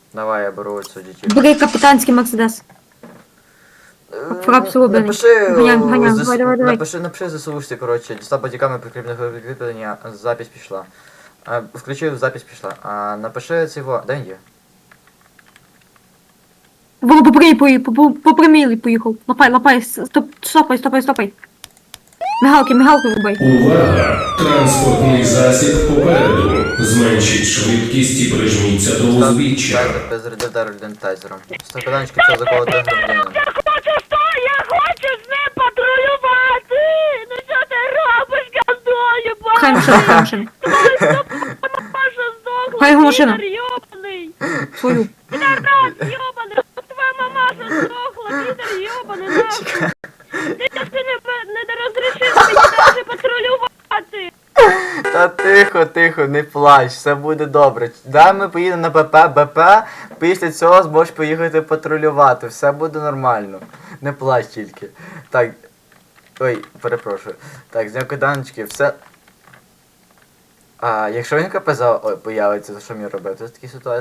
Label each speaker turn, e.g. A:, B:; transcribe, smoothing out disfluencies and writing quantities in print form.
A: Давай, я беру цю дітей.
B: Бери капітанський Мерседес. Фрапс роблений.
A: Напиши,
B: Ганяй, давай.
A: напиши ЗСУшці, коротше, дістав бодіками прикріплення, запись пішла. Включив, запись пішла. Напиши цього, де він є?
B: По прямій поїхав. Лапай, стопай. Мигалки врубай.
C: Увага! Транспортний засіб попереду. Зменшіть швидкість і прижміться до узбіччя.
A: Зарядив дентайзером. Стаканчики все заколоти громадянина.
D: Я хочу з ним патрулювати! Ну що ти робиш, гандоню,
B: Хай машина. Хай його машина.
D: Підар йобаний!
B: Свою.
D: Підарас йобаний! Твоя мамаша здохла, підар йобаний, нахуй! Ти не розрішив мені навіть патрулювати!
A: Та тихо, не плач, все буде добре. Дай ми поїдемо на БП, після цього зможеш поїхати патрулювати, все буде нормально. Не плач тільки. Так. Ой, перепрошую. Так, зняв киданочки, все. Якщо він КПЗ появиться, то що мені робити? Це такі ситуації.